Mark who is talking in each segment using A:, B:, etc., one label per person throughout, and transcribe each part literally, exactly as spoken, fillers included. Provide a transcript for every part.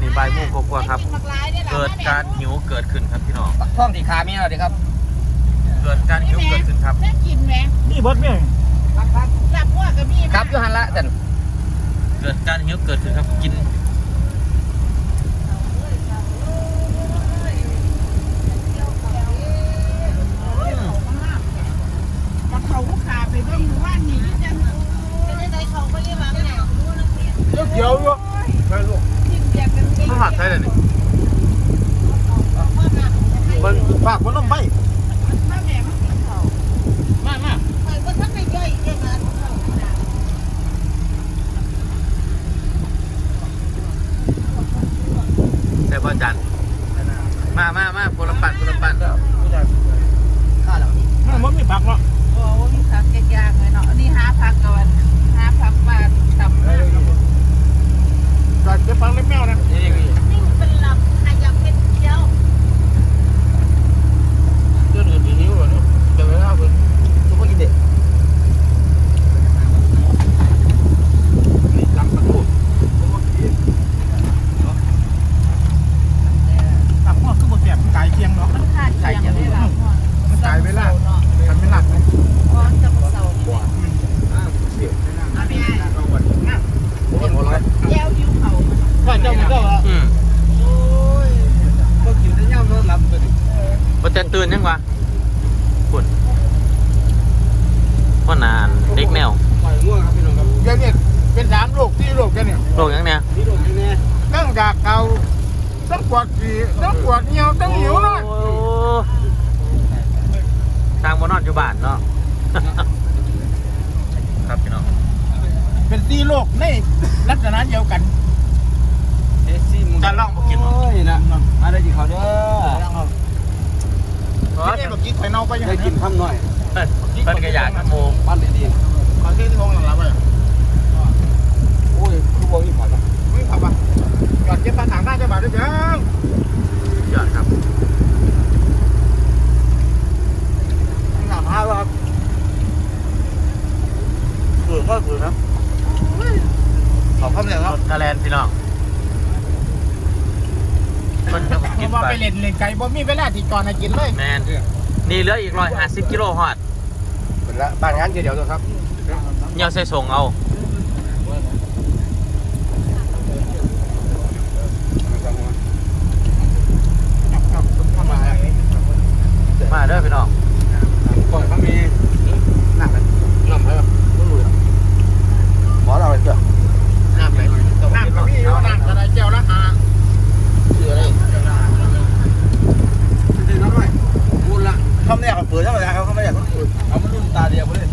A: นี้บ่ายโมงกว่าครับเกิดการหิวเกิดขึ้นครับพี่น้อง
B: ท้องที่ขามีอะไรครับ
A: เกิดการหิวเกิดขึ้นครับ
C: กินไหม
D: นี่บดเนี่ย
C: หลับว่ากับมี
B: ครับยูฮันละจัน
A: เกิดการหิวเกิดขึ้นครับกิน
C: มาเขาขาไปเบิ่งว่านี่จังจะได้ได้เขาก็เรียกว่าไง
D: เกี่ยวอยู่ไปลูก
A: ข้าวผัดใช่เลยนี่
D: มันฝากมันต้องไป
C: มาแม่มาเขา
D: มามา
C: ไปว่าท่านไม่ย่อยแค่นั้น
A: แต่พ่อจันมามามาคนละปั่นคนละปั่น
D: ข้าแล้วมันไม่ผักเนาะ
C: โอ้มีผักแกยากเลยเนาะนี่หาผักก่อนหาผักมาตำมา
D: จัดจะฟังเล็บแมวนะ
A: นี่นี่
C: นี่เป็นลำขยับเป็นเดียว
D: เรื่องอื่นหิวเหรอเนี่ยเดี๋ยวไม่เอาเลยทุกคนกินเด็ดนี่ลำประตูตับหม้อคือหมดแบบไก่เคียงเนาะ
C: ไก่เคียงไม่หลับ
D: มันไก่ไม่หลับมันไม่หลับเลย
C: อ๋อจับเสาขวา
D: เสียบไม่น่า
C: ไม่ได้
D: เอาวันน่ะโอ้โหร้อย
C: แย้วยิ้วเขา
D: ว่าเจ้ามันเจ้าอ่ะ
A: อืม
D: โอ้ยพวกกินได้ย่ำนอนหลับไปดิ
A: พ่อจันตื่นยังวะปุ่นพ่อนานเด็กแนว
D: ปล่อยง่วงครับพี่น้องครับเดี๋ยวนี้เป็นสามโรคที่โรคกันเนี่ย
A: โรคยังเนี่ย
D: ที่โรคยังไงตั้งจากเก่าต้องปวดฉี่ต้องปวดเหี่ยวต้องหิวนอน
A: ทางบนนอนอยู่บ้านเนาะครับพี่น้อง
D: เป็นสี่โรคในลักษณะเดียวกัน
A: จะลองมากิน
D: โอ้ยนะมาได้กินข้าวเด้อนี่เมื่อกี้ไข่เน่าไปยังได้กินข้ามหน่อย
A: เป็นกระยาขโมง
D: ปั้นดีๆขอเส้นที่ห้องหลังๆไปโอ้ยคือวงอีกผัดอ่ะไม่ผัดอ่ะหยอดเก็บปลาถังได้จะบาดด้วยจัง
A: หยอดครับ
D: หนาผ้าครับเกลือก็เกลือครับขอบคุณเลยครับ
A: ทะเลนพี่น้องมันจะกิน
D: ไปเล่นเล่นไก่บ่มีเวลาที่ก่อนให้กินเลย
A: แมนนี่เหลืออีกร้อยห้าสิบกิโลฮอด
D: เป็นละบ้านงานเดียวๆครับ
A: เงี้ยใส่ส่งเอามาเด้อพี่น้อง
D: ก่อนเขามีน้ำไหมน้ำไหมครับไม่รู้หมอเราไปเถอะน้ำไหมน้ำเขามีอยู่น้ำกระไรเจียวละหาเสืออะไรเด็กน้อยพูดละเขาไม่อยากเปิดเท่าไหร่เขาเขาไม่อยากเปิดเอามันรุ่นตาเดียวไปเลย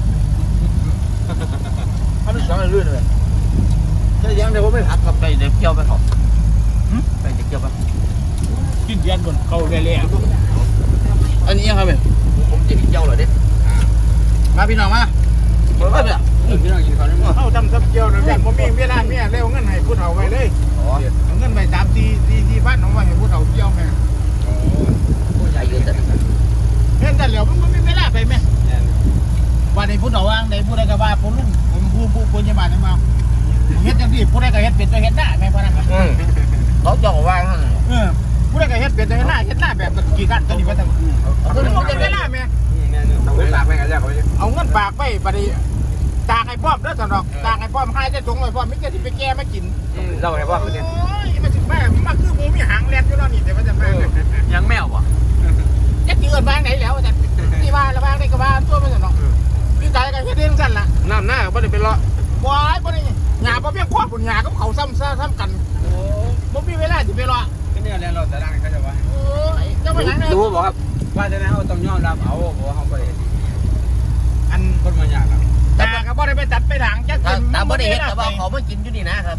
D: เขาไม่ชอบเรื่อยเลยจะยังเดี๋ยวผมไม่ผัดกับไปเด็กเกี่ยวไปเขาไปเด็กเกี่ยวไปกินเย็นบนเขาเละๆอันนี้ยังไงผมจะกินเจ้าเหรอเด็กมาพี่น้องมาเปิดเลยพี่น้องกินข้าวได้มั้งเข้าทำซับเจียวนะเนี่ยผมมีเวลาเมียเร็วเงินให้พูดเอาไว้เลยเอาเงินไปสามสี่สี่สี่พันเอาไว้ให้พูดเอาเจียวแม่ผู้ใหญ่เยอะจังเห็นแต่เหลียวมันไม่มีเวลาไปไหมวันนี้พูดเอาว่าในพูดอะไรก็ว่าพูดลุงผมพูดพูดพูดยังไงนี่มาเฮ็ดจังที่พูดอะไรก็เฮ็ดเป็นตัวเฮ็ดหน้าแม่พนักงานเขาจ่อว่างเออพูดอะไรก็เฮ็ดเป็นตัวเฮ็ดหน้าเฮ็ดหน้าแบบกี่กันตัวนี้ว่าแต่ตัวนี้เขาจะเวลาแม่เอาเงินฝากไปกันแล้วเอาเงินฝากไปบัดนี้ตากไอ้ป้อมแล้วสนอกตากไอ้ป้อมให้จะจงไอ้ป้อมไม่จะที่ไปแก้มากินเราไอ้ป้อมเนี่ยโอ้ยมาถึงแม่มาคือหมูมีหางแลนอยู่แล้วนี่แต่ว่าจะแม่
A: ยังแมววะ
D: จะกินเงินบ้างไหนแล้วแต่ที่ว่าระบ้างได้ก็บ้างตัวไม่สนอกพี่ใจกันแค่เดือนสั้นละน้ำหน้าไม่ได้เป็นละวายไม่ได้หยาบ่เบี้ยควบปุ่นหยาก็เขาซ้ำซ้ำกันโอ้บ่มีเวลาจะไปรอก็เนี่ยแล้วเราจะดังเขาจะว่าโอ้ยเจ้าไปไหนดูบอกครับว่าจะได้เขาต้องยอมรับเอาเพราะเขาไปอันคนมาอยากครับแต่เขาบ่ได้ไปตัดไปหลังจักกิน
B: แต่บ่ได้เห็นแต่ว่าเขาไม่กินอยู่นี่นะครับ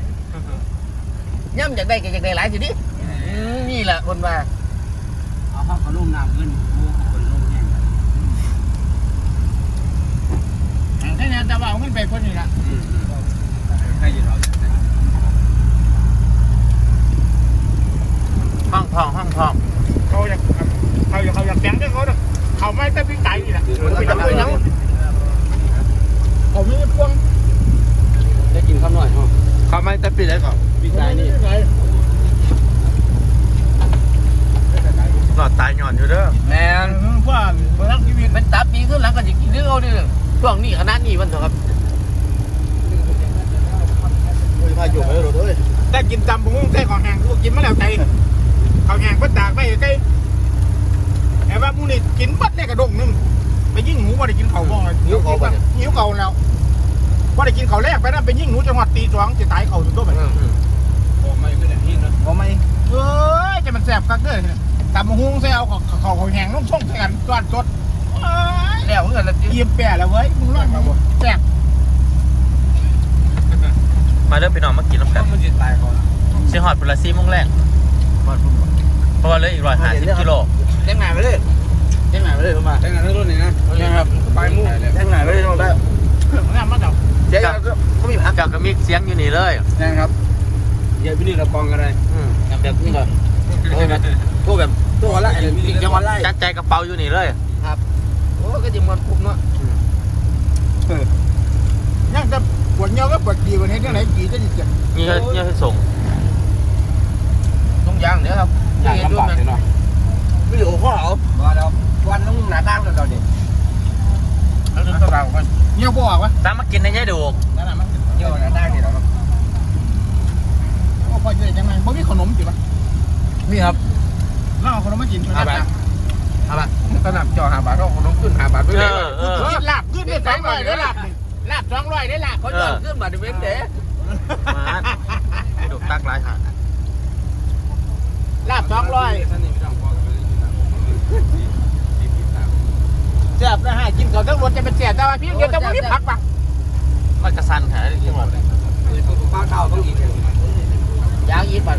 B: ย่ำจากได้ก็จากได้หลายสิดินี่แหละคนว่า
D: เอาข้าวขนมน้ำเงินคนลงแห้งแค่นี้แต่ว่าเอาเงินไปคนนี้ละให้ยืนเอา
A: ห้องทองห้องทอง
D: เขาอยากเขาอยากเขาอยากแบงด้วยเขาเขาไม่แต่พี่ไก่นี่แหละเขาจะไม่ยังเขาไม่พวงได้กินข้าวหน่อยฮะเขาไม่แต่ปีไหนก่อนปีไก่นี่
A: หลอดตายหย่อนอยู่เด้อ
B: แม่น
D: ว่าเมื่อชีวิต
B: เป็นตับปีขึ้นหลังก็จะกินเรื่องเอาดิช่วงนี้ขนาดนี้มันเถอะครับ
D: พาอยู่ไปรถเลยแต่กินตำบุ้งใส่ของแห้งกูกินมาแล้วใจของแห้งก็ตากไปใกล้แต่ว่ามูนี่กินบัดเนี่ยกระดงนึงไปยิ่งหนูว่าได้กินเขาบ้องเลยหิวเขาหิวเขาแล้วว่าได้กินเขาแรกไปนั่นไปยิ่งหนูจังหวัดตีสองจะตายเขาถึงตัวแบบโอ้ไม่ก็ได้ที่นะโอ้ไม่เอ้ยจะมันแสบกักเด้อตำบุ้งใส่เอาเขาเขาแห้งนุ่งช่องใส่กันก้อนสด
B: แล้วเงินละ
D: เยี่ยมแปะแล้วเว้ยมึงรอดมาบ่แซ่บ
A: มาเริ่มไปนอนมากินน้ำกัน
D: มันจะตายก่อน
A: เชียงหอดปุระซีมุ่งแรงเพราะว่าเลยอีกร้อยห้าสิบกิโล
B: แจ้งงานไปเลยแจ้งงานไปเลยเข้ามา
D: แทงงานเรื่องนี้นะใช่ครับไปมุ่งแทงงานไปเลยได้งานมาเจ้า
B: เจ๊ก็มีพัก
A: กับกระมิกเสียงอยู่นี่เลย
D: แทงครับเดี๋ยวพี่นี่เรากองอะไร
A: อืม
B: แบบนี้ก่อนโอ้ยแบบพวกแบบตัวอะไรมีจังหวัดไร
A: จัดใจกระเป๋าอยู่นี่เลย
B: ครับโอ้ก็จะมันคุ้มเนาะ
D: ยังจะปวดเงี้ยวก็ปวดดีกว่านี้ที่ไหนดีจะดีจัง
A: นี่ก็นี่ให้ส่ง
B: ต้องยางเดี๋ยวครับ
D: อย่างลำบากเลยเนาะ
B: วิดีโอข้อเอาว่าเราวันต้องหนาตั้งกันเราดิแล้วถึงตัวเรากัน
D: เงี้ยวบ่อวะ
A: ตามมากินในยายดูก
D: นั่นแหละมัน
B: เที่ยวหนาตั้งนี่เราครับ
D: โอ้พอจะได้จังไงบ่มีขนมจิบะ
B: นี่ครับ
D: น้องขนมมากินช่วย
B: ห้าบาท
D: นะ
B: ห้าบาทสนับจอห้าบาทเราคนต้องขึ้นห้าบาทไป
A: เอ
B: เลย
A: อเออ
D: กินลาบขึ้นได้สองร้อยได้ลาบลาบสองร้อยได้ลาบ
B: เขาจอดขึ้นมาดิเว้นเด๋
A: มาให้ดูตักหลายหา
D: ลาบสองร้อยแซ่บนะฮะกินก่อนทั้งรถจะเป็นแซ่บแต่ว่าพี่เดียวจะไม่มีผักปะ
A: มันกระสันหาได้ที่หมดเลย
B: ป้าเท่าต้องกินยางยีปัน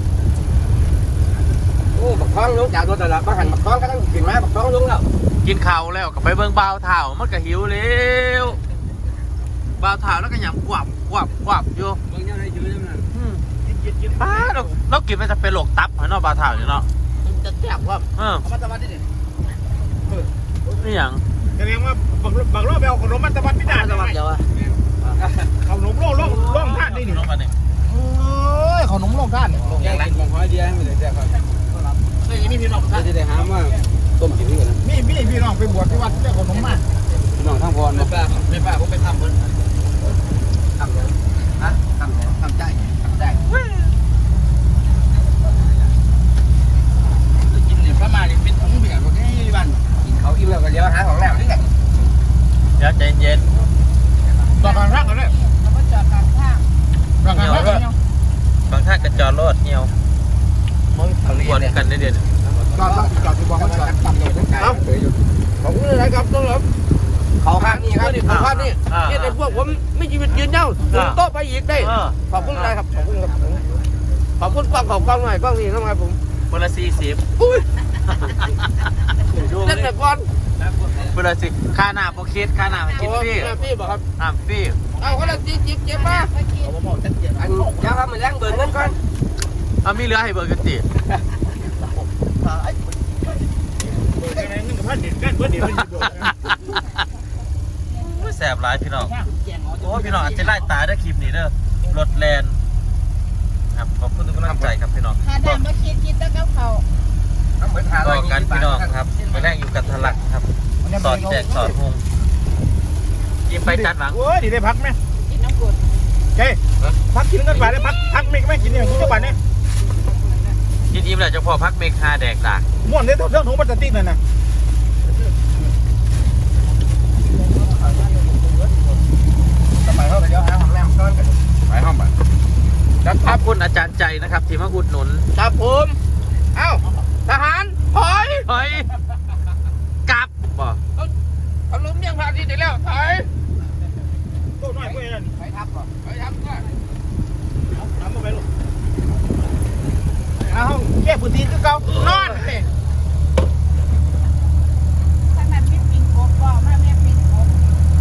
B: โอ้บักท้องลุกจากรถแต่ละบ้านหันบักท้องก็ต้องกินไหมบักท้องลุกแล้ว
A: กินข้าวแล้วก็ไปเบิ่งบ่าวเท้ามันก็หิวเร็วบ่าวเท้าแล้วก็หยำกวับกวับกวับอยู่
D: บางอย่างได้ยืดนั่น
A: อืมป้าเราเรากินไปจะเป็นโรคตับเหรอเนาะบ่าวเท้าอยู่เนาะ
B: จะแซ่บว่า
A: เออ
B: เอามาตะวันดิ
A: นี่หยัง
D: แสดงว่าบางบางรอบไปเอาขนมมันตะวันไม่ได้
B: ตะวันเดียวอะ
D: ขนมโล่งโล่งโล่งท่านได้ดิ
A: ลงมาเนี่ย
D: โอ้ยขนมโล่งท่าน
B: ยังไง
D: ของไอเดียให้มันได้แซ่บครับ
B: ไม่มีพี่น้อง
D: จะได้หาว่าต้มกินด้วยนะมีพี่พี่น้องไปบวชที่วัดเจ้าขนมมาพี่น้องทั้งพร
B: ไม่ป้าไม่ป้าผมไปทำเหมือนทำเลยฮะทำเลยทำใจทำได้กินเนี่ยพระมาเนี่ยเป็นถุงเบียร์พวกนี้บ้านกินเขาอิ่มแล้วก็เดี๋ยวหาของแล้วนี่ไง
A: เดี๋ยวใจเย็น
D: ต่อการรักกันเลย
C: แล้วก็จอดกลางทาง
D: ต่อการรักกันเนี่ย
A: บางท่านกระจอรถเหี่ยวกวนกันได้เด่น
D: จอดจอดที่บอกว่าจอดต่ำเลยเอ้า
B: ของนี่อะไรครับต้องรับเขาข้างนี้ครับนี่เขาข้างนี้นี่ในพวกผมไม่ชีวิตยืนเย้าถึงโต๊ะไปอีกได้
A: เออ
B: ขอบคุณนะครับขอบคุณครับขอบคุณกล้องขอบกล้องหน่อยกล้องนี่ทำไมผม
A: คนละสี่สิบ
B: อุ้ยเล่นแต่ก่อน
A: คนละสิค่าหน้าโปรคิดค่าหน้าคิดฟรี
B: พี่บอกครับ
A: อ่าฟรี
B: เอาคนละจีจิบเจ็บมาอย่าทำมันแรงเบิร์นเงินก่อน
A: เอามีเรือให้เบิร์กันติ
D: นี่กับพันเด็ดกันเพื่อนเด็ด
A: แสบหลายพี่น้องโอ้พี่น้องอาจจะไล่ตายได้คลิปนี้เด้อรถแลนครับขอบคุณทุกกำลังใจครับพี่น้อง
C: หาดำมาคิดกินแล้วกับเขา
A: ต่อกันพี่น้องครับมาแรกอยู่กันทะลักครับสอดแจกสอดหงกินไปจัดหลัง
D: โอ้ยดีได้พักไหม
C: กินน้ำกรด
D: เฮ้ยพักกินกันไปได้พักพักไม่ไม่กินเนี่ยคุณเจ้าบ้านเนี่ย
A: กินอิ่มแล้วจะพอพักเมคาแดกดาก
D: ม่วนเลยเรื่องถุงพลาสติกนั่นนะไปเข้าไปเดี๋ยวหาของแรมก้อนกันไปห้องไป
A: ครับขอบคุณอาจารย์ใจนะครับที่มาอุดหนุน
B: ครับผมเอ้าทหารถอย
A: เฮ้ยกลับบ่
B: เขาล้มยังพาทีเดียวแล้วถอย
D: โตหน่อยเพื่อน
B: ไปทับก่อนไปทับก่อน
D: ทำมาไปลูกเอาห้องแก้พื้นที่คือเก่านอนเลย
C: ขนาดไม่ปิงโกบบอกมาแม่ปิงโกบ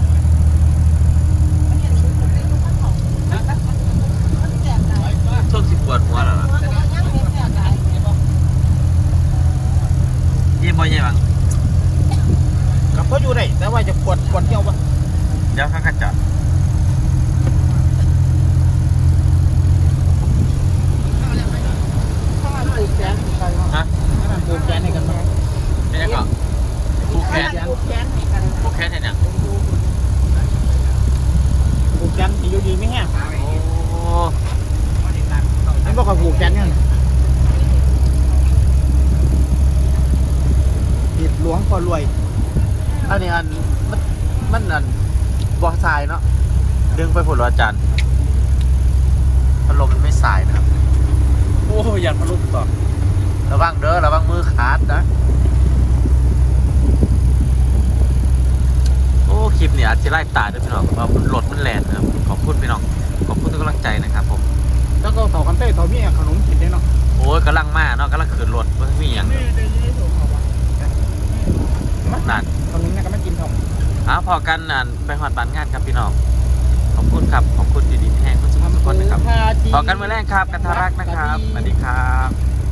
C: มันยังรู้สึกได้รู้ข้างเขามันแสบหลาย
A: ช่วงสิบปวดหัวแล้วล่ะ
C: มันยังไม่แสบหลาย
A: ยิ้มบ่ยังบัง
D: กับเขาอยู่ได้แต่ว่าจะปวดปวดเที่ยวปะ
A: เดี๋ยวข้างกันจอด
C: ข้าวมันแสบ
A: ฮะ
D: ปวดแขนแฟนเนี่ยผิดหลวงพอรวยอันนี้อันมันมันอันบ่อทรายเนาะ
A: ดึงไปผุดอาจารย์พัดลมมันไม่สายนะครับ
D: โอ้ยอยากมาลุกต่อ
A: ระวังเด้อระวังมือขาดนะโอ้คลิปนี้อาจจะไล่ตาด้วยพี่น้องเพราะมันรถมันแรงนะครับขอบคุณพี่น้องขอบคุณทุกกำลังใจนะครับผม
D: แล้วก็ต่อกันเต้ต่อมีขนมกินได้เนาะ
A: โอ้ยกำลังมาเนาะกำลังขืนรถมันมีอย่างนั่น
D: ขนมเนี่ยก็ไม่กินทอง
A: อ้าวพอกันนั่นไปหอดบ้านงานครับพี่น้องขอบคุณครับขอบคุณดีๆที่แห้งทุกคนนะครับพอกันเมื่อแรกครับกันทารักนะครับสวัสดีครับ